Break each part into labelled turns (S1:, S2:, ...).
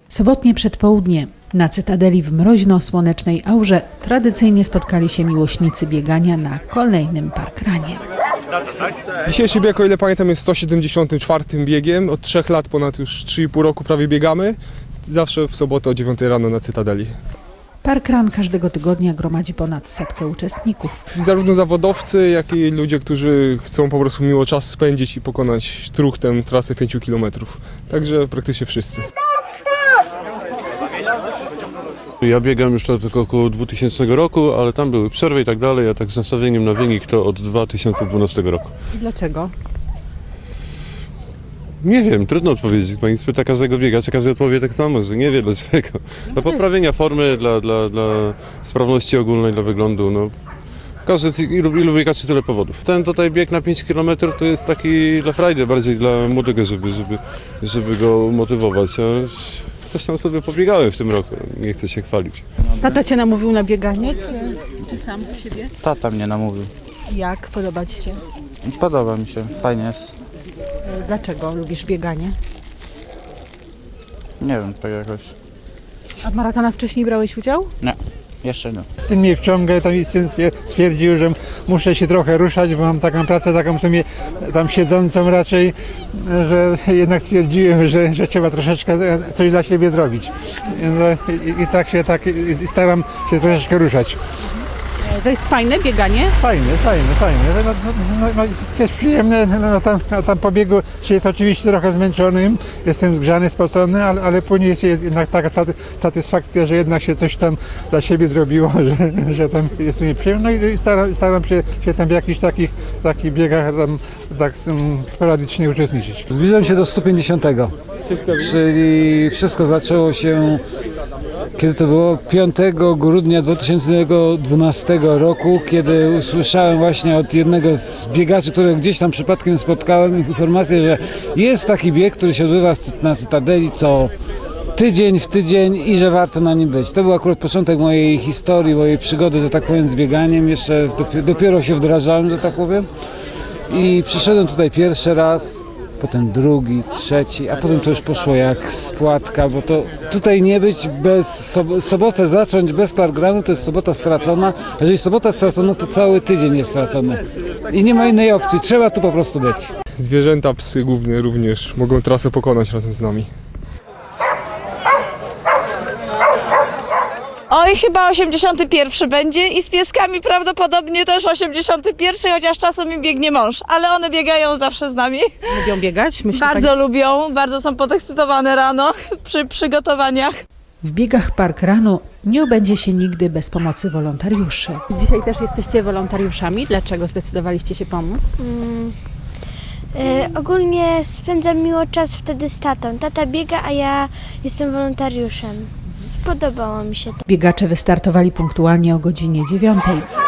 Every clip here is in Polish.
S1: Sobotnie przedpołudnie na Cytadeli w mroźno-słonecznej aurze tradycyjnie spotkali się miłośnicy biegania na kolejnym parkranie.
S2: Dzisiejszy bieg, o ile pamiętam, jest 174. biegiem. Od 3 lat, ponad już 3,5 roku prawie biegamy. Zawsze w sobotę o 9 rano na Cytadeli.
S1: Parkran każdego tygodnia gromadzi ponad 100 uczestników.
S2: Zarówno zawodowcy, jak i ludzie, którzy chcą po prostu miło czas spędzić i pokonać truchtem trasę 5 km. Także praktycznie wszyscy.
S3: Ja biegam już od około 2000 roku, ale tam były przerwy i tak dalej, a tak z nastawieniem na wynik to od 2012 roku.
S1: I dlaczego?
S3: Nie wiem, trudno odpowiedzieć. Pani spyta każdego biegacza, każdy odpowie tak samo, że nie wie dlaczego. Dla poprawienia formy, dla sprawności ogólnej, dla wyglądu. No. Ilu biegaczy, tyle powodów. Ten tutaj bieg na 5 km to jest taki dla frajdy, bardziej dla młodego, żeby go motywować. Coś tam sobie pobiegałem w tym roku, nie chcę się chwalić.
S1: Tata cię namówił na bieganie, czy sam z siebie?
S4: Tata mnie namówił.
S1: Jak? Podoba ci się?
S4: Podoba mi się, fajnie jest.
S1: Dlaczego lubisz bieganie?
S4: Nie wiem, tak jakoś.
S1: A w maratona wcześniej brałeś udział?
S4: Nie, jeszcze nie.
S5: Syn mnie wciąga, tam i syn stwierdził, że muszę się trochę ruszać, bo mam taką pracę, taką w sumie tam siedzącą raczej, że jednak stwierdziłem, że trzeba troszeczkę coś dla siebie zrobić. No, i staram się troszeczkę ruszać.
S1: To jest fajne bieganie?
S5: Fajne. No, jest przyjemne, no, tam po biegu się jest oczywiście trochę zmęczonym, jestem zgrzany, spocony, ale później jest jednak taka satysfakcja, że jednak się coś tam dla siebie zrobiło, że tam jest mi przyjemne. No i staram się tam w jakichś takich biegach tam, tak sporadycznie uczestniczyć.
S6: Zbliżam się do 150, czyli wszystko zaczęło się, kiedy to było 5 grudnia 2012 roku, kiedy usłyszałem właśnie od jednego z biegaczy, którego gdzieś tam przypadkiem spotkałem, informację, że jest taki bieg, który się odbywa na Cytadeli co tydzień w tydzień i że warto na nim być. To był akurat początek mojej historii, mojej przygody, że tak powiem, z bieganiem. Jeszcze dopiero się wdrażałem, że tak powiem. I przyszedłem tutaj pierwszy raz, potem drugi, trzeci, a potem to już poszło jak spłatka, bo to tutaj nie być sobotę zacząć bez parkranu, to jest sobota stracona. Jeżeli sobota stracona, to cały tydzień jest stracony. I nie ma innej opcji, trzeba tu po prostu być.
S2: Zwierzęta, psy głównie również mogą trasę pokonać razem z nami.
S7: Oj, chyba 81 będzie i z pieskami prawdopodobnie też 81, chociaż czasem im biegnie mąż, ale one biegają zawsze z nami.
S1: Lubią biegać?
S7: Bardzo lubią, bardzo są podekscytowane rano przy przygotowaniach.
S1: W biegach parkranu nie obędzie się nigdy bez pomocy wolontariuszy. Dzisiaj też jesteście wolontariuszami. Dlaczego zdecydowaliście się pomóc?
S8: Ogólnie spędzam miło czas wtedy z tatą. Tata biega, a ja jestem wolontariuszem. Spodobało mi się to.
S1: Biegacze wystartowali punktualnie o godzinie 9.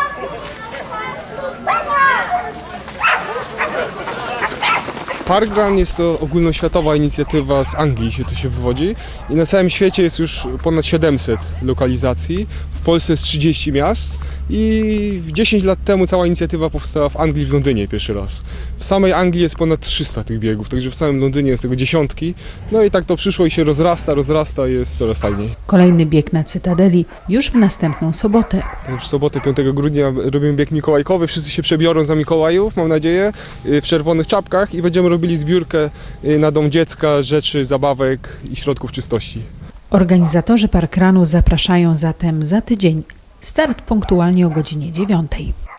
S2: Parkrun jest to ogólnoświatowa inicjatywa, z Anglii się to się wywodzi i na całym świecie jest już ponad 700 lokalizacji. W Polsce jest 30 miast i 10 lat temu cała inicjatywa powstała w Anglii, w Londynie pierwszy raz. W samej Anglii jest ponad 300 tych biegów, także w samym Londynie jest tego dziesiątki. No i tak to przyszło i się rozrasta i jest coraz fajniej.
S1: Kolejny bieg na Cytadeli już w następną sobotę.
S2: W sobotę 5 grudnia robimy bieg mikołajkowy, wszyscy się przebiorą za Mikołajów, mam nadzieję, w czerwonych czapkach i będziemy robili zbiórkę na dom dziecka, rzeczy, zabawek i środków czystości.
S1: Organizatorzy parkranu zapraszają zatem za tydzień. Start punktualnie o godzinie 9.